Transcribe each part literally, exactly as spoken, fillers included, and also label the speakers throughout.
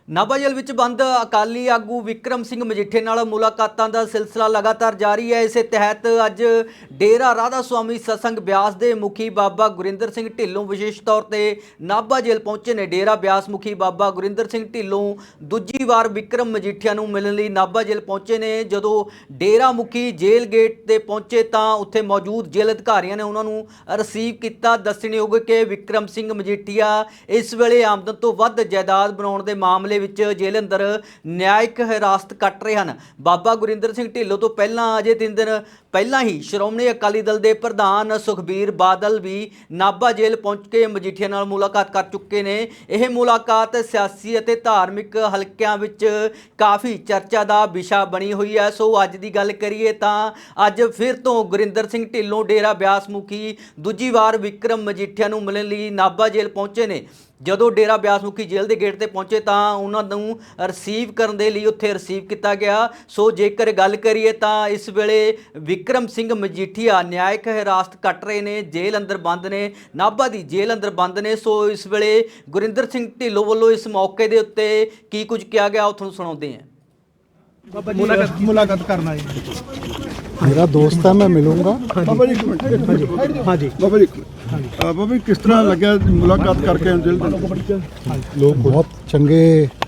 Speaker 1: ਨਾਭਾ ਜੇਲ੍ਹ ਵਿੱਚ ਬੰਦ ਅਕਾਲੀ ਆਗੂ ਵਿਕਰਮ ਸਿੰਘ ਮਜੀਠੇ ਨਾਲ ਮੁਲਾਕਾਤਾਂ ਦਾ ਸਿਲਸਿਲਾ ਲਗਾਤਾਰ ਜਾਰੀ ਹੈ। ਇਸੇ ਤਹਿਤ ਅੱਜ ਡੇਰਾ ਰਾਧਾ ਸੁਆਮੀ ਸਤਸੰਗ ਬਿਆਸ ਦੇ ਮੁਖੀ ਬਾਬਾ ਗੁਰਿੰਦਰ ਸਿੰਘ ਢਿੱਲੋਂ ਵਿਸ਼ੇਸ਼ ਤੌਰ ਤੇ ਨਾਭਾ ਜੇਲ੍ਹ ਪਹੁੰਚੇ ਨੇ। ਡੇਰਾ ਬਿਆਸ ਮੁਖੀ ਬਾਬਾ ਗੁਰਿੰਦਰ ਸਿੰਘ ਢਿੱਲੋਂ ਦੂਜੀ ਵਾਰ ਵਿਕਰਮ ਮਜੀਠੀਆ ਨੂੰ ਮਿਲਣ ਲਈ ਨਾਭਾ ਜੇਲ੍ਹ ਪਹੁੰਚੇ ਨੇ। ਜਦੋਂ ਡੇਰਾ ਮੁਖੀ ਜੇਲ੍ਹ ਗੇਟ ਤੇ ਪਹੁੰਚੇ ਤਾਂ ਉੱਥੇ ਮੌਜੂਦ ਜੇਲ੍ਹ ਅਧਿਕਾਰੀਆਂ ਨੇ ਉਹਨਾਂ ਨੂੰ ਰਿਸੀਵ ਕੀਤਾ। ਦੱਸਣਯੋਗ ਕਿ ਵਿਕਰਮ ਸਿੰਘ ਮਜੀਠੀਆ ਇਸ ਵੇਲੇ ਆਮਦਨ ਤੋਂ ਵੱਧ ਜਾਇਦਾਦ ਬਣਾਉਣ ਦੇ ਮਾਮਲੇ ਵਿੱਚ ਜੇਲ੍ਹ ਅੰਦਰ ਨਿਆਇਕ ਹਿਰਾਸਤ ਕੱਟ ਰਹੇ ਹਨ। ਬਾਬਾ ਗੁਰਿੰਦਰ ਸਿੰਘ ਢਿੱਲੋਂ ਤੋਂ ਪਹਿਲਾਂ ਅਜੇ ਤਿੰਨ ਦਿਨ ਪਹਿਲਾਂ ਹੀ ਸ਼੍ਰੋਮਣੀ ਅਕਾਲੀ ਦਲ ਦੇ ਪ੍ਰਧਾਨ ਸੁਖਬੀਰ ਬਾਦਲ ਵੀ ਨਾਭਾ ਜੇਲ੍ਹ ਪਹੁੰਚ ਕੇ ਮਜੀਠੀਆ ਨਾਲ ਮੁਲਾਕਾਤ ਕਰ ਚੁੱਕੇ ਨੇ। ਇਹ ਮੁਲਾਕਾਤ ਸਿਆਸੀ ਅਤੇ ਧਾਰਮਿਕ ਹਲਕਿਆਂ ਵਿੱਚ ਕਾਫੀ ਚਰਚਾ ਦਾ ਵਿਸ਼ਾ ਬਣੀ ਹੋਈ ਹੈ। ਸੋ ਅੱਜ ਦੀ ਗੱਲ ਕਰੀਏ ਤਾਂ ਅੱਜ ਫਿਰ ਤੋਂ ਗੁਰਿੰਦਰ ਸਿੰਘ ਢਿੱਲੋਂ ਡੇਰਾ ਬਿਆਸ ਮੁਖੀ ਦੂਜੀ ਵਾਰ ਵਿਕਰਮ ਮਜੀਠੀਆ ਨੂੰ ਮਿਲਣ ਲਈ ਨਾਭਾ ਜੇਲ੍ਹ ਪਹੁੰਚੇ ਨੇ। ਜਦੋਂ ਡੇਰਾ ਬਿਆਸ ਮੁਖੀ ਜੇਲ੍ਹ ਦੇ ਗੇਟ ਤੇ ਪਹੁੰਚੇ ਤਾਂ ਉਹਨਾਂ ਨੂੰ ਰਿਸੀਵ ਕਰਨ ਦੇ ਲਈ ਉੱਥੇ ਰਿਸੀਵ ਕੀਤਾ ਗਿਆ। ਸੋ ਜੇਕਰ ਗੱਲ ਕਰੀਏ ਤਾਂ ਇਸ ਵੇਲੇ ਵਿਕਰਮ ਸਿੰਘ ਮਜੀਠੀਆ ਨਿਆਇਕ ਹਿਰਾਸਤ ਕੱਟ ਰਹੇ ਨੇ, ਜੇਲ੍ਹ ਅੰਦਰ ਬੰਦ ਨੇ, ਨਾਭਾ ਦੀ ਜੇਲ੍ਹ ਅੰਦਰ ਬੰਦ ਨੇ। ਸੋ ਇਸ ਵੇਲੇ ਗੁਰਿੰਦਰ ਸਿੰਘ ਢਿੱਲੋਂ ਵੱਲੋਂ ਇਸ ਮੌਕੇ ਦੇ ਉੱਤੇ ਕੀ ਕੁਝ ਕਿਹਾ ਗਿਆ ਉਹ ਤੁਹਾਨੂੰ ਸੁਣਾਉਂਦੇ ਹਾਂ।
Speaker 2: मुलाकात मुलाकात करना है।
Speaker 3: मेरा दोस्त है, मैं मिलूंगा।
Speaker 2: बाबा जी हाँ जी बाबा जी बाबा जी किस तरह लगे मुलाकात करके जेल दे?
Speaker 3: लोग बहुत चंगे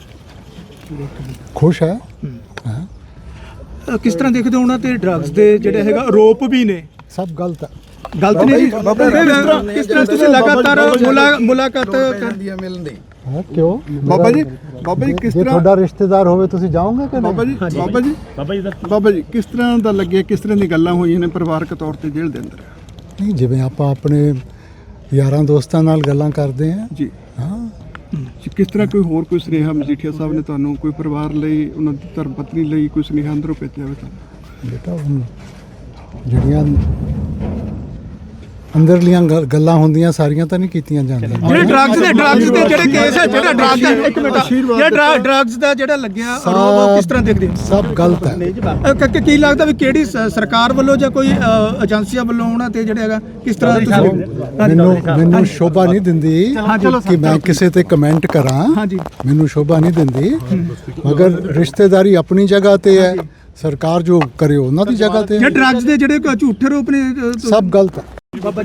Speaker 3: खुश है। हाँ।
Speaker 4: किस तरह देखते हो उन्होंने ड्रग्स के ਜਿਹੜੇ ਹੈਗਾ ਆਰੋਪ ਵੀ ਨੇ
Speaker 3: सब गलत है।
Speaker 4: ਗਲਤ ਨਹੀਂ ਜੀ।
Speaker 2: ਬਾਬਾ ਜੀ ਕਿਸ ਤਰ੍ਹਾਂ
Speaker 4: ਕਿਸ ਤਰ੍ਹਾਂ ਤੁਸੀਂ ਲਗਾਤਾਰ ਮੁਲਾ- ਮੁਲਾਕਾਤ ਕਰ
Speaker 3: हाँ, क्यों
Speaker 2: बाबा जी बाबा जी किस
Speaker 3: जे
Speaker 2: तरह
Speaker 3: ਤੁਹਾਡਾ ਰਿਸ਼ਤੇਦਾਰ ਹੋਵੇ ਤੁਸੀਂ ਜਾਓਗੇ ਕਿ
Speaker 2: ਬਾਬਾ
Speaker 3: ਨਹੀਂ?
Speaker 2: ਜੀ ਬਾਬਾ ਜੀ ਬਾਬਾ ਜੀ ਬਾਬਾ ਜੀ ਕਿਸ ਤਰ੍ਹਾਂ ਦਾ ਲੱਗਿਆ, ਕਿਸ ਤਰ੍ਹਾਂ ਦੀ ਗੱਲਾਂ ਹੋਈਆਂ ਨੇ ਪਰਿਵਾਰਕ ਤੌਰ ਤੇ ਜੇਲ੍ਹ ਦੇ ਅੰਦਰ?
Speaker 3: ਨਹੀਂ, ਜਿਵੇਂ ਆਪਾਂ ਆਪਣੇ ਯਾਰਾਂ ਦੋਸਤਾਂ ਨਾਲ ਗੱਲਾਂ ਕਰਦੇ ਹਾਂ।
Speaker 2: ਜੀ
Speaker 3: ਹਾਂ,
Speaker 2: ਕਿਸ ਤਰ੍ਹਾਂ ਕੋਈ ਹੋਰ ਕੋਈ ਸੁਨੇਹਾ ਮਜੀਠੀਆ ਸਾਹਿਬ ਨੇ ਤੁਹਾਨੂੰ ਕੋਈ ਪਰਿਵਾਰ ਲਈ, ਉਹਨਾਂ ਦੀ ਧਰਮ ਪਤਨੀ ਲਈ ਕੋਈ ਸੁਨੇਹਾ ਅੰਦਰੋਂ ਭੇਜਿਆ ਹੋਵੇ ਤੁਹਾਨੂੰ?
Speaker 3: ਬੇਟਾ ਹੁਣ ਜਿਹੜੀਆਂ ਅੰਦਰਲੀਆਂ ਗੱਲ- ਗੱਲਾਂ ਹੁੰਦੀਆਂ ਸਾਰੀਆਂ ਤਾਂ ਨਹੀਂ ਕੀਤੀਆਂ ਜਾਂਦੀਆਂ।
Speaker 4: ਜਿਹੜੇ ਡਰੱਗਸ ਦੇ ਡਰੱਗਸ ਦੇ ਜਿਹੜੇ ਕੇਸ ਹੈ, ਜਿਹੜਾ ਡਰੱਗ ਦਾ ਇੱਕ ਮਿੰਟ ਜਿਹੜਾ ਡਰੱਗਸ ਦਾ ਜਿਹੜਾ ਲੱਗਿਆ ਆਰੋਪ ਉਹ ਕਿਸ ਤਰ੍ਹਾਂ ਦੇਖਦੇ ਹੋ?
Speaker 3: ਸਭ ਗਲਤ ਹੈ।
Speaker 4: ਅ, ਕ- ਕ- ਕੀ ਲੱਗਦਾ ਵੀ ਕਿਹੜੀ ਸ- ਸਰਕਾਰ ਵੱਲੋਂ ਜਾਂ ਕੋਈ ਅ, ਏਜੰਸੀਆਂ ਵੱਲੋਂ ਉਹਨਾਂ ਤੇ ਜਿਹੜਾ ਹੈਗਾ ਕਿਸ ਤਰ੍ਹਾਂ ਤੁਸੀਂ
Speaker 3: ਮੈਨੂੰ ਮੈਨੂੰ ਸ਼ੋਭਾ ਨਹੀਂ ਦਿੰਦੀ ਕਿ ਮੈਂ ਕਿਸੇ ਤੇ ਕਮੈਂਟ ਕਰਾਂ।
Speaker 4: ਹਾਂਜੀ
Speaker 3: ਮੈਨੂੰ ਸ਼ੋਭਾ ਨਹੀਂ ਦਿੰਦੀ, ਮਗਰ ਰਿਸ਼ਤੇਦਾਰੀ ਆਪਣੀ ਜਗ੍ਹਾ ਤੇ ਹੈ, ਸਰਕਾਰ ਜੋ ਕਰੇ ਉਹਨਾਂ ਦੀ ਜਗ੍ਹਾ ਤੇ
Speaker 4: ਜੇ
Speaker 3: ਹੈ।
Speaker 4: ਡਰੱਗਸ ਦੇ ਜਿਹੜੇ ਝੂਠੇ ਆਰੋਪ ਨੇ ਅ,
Speaker 3: ਸਭ ਗਲਤ ਹੈ।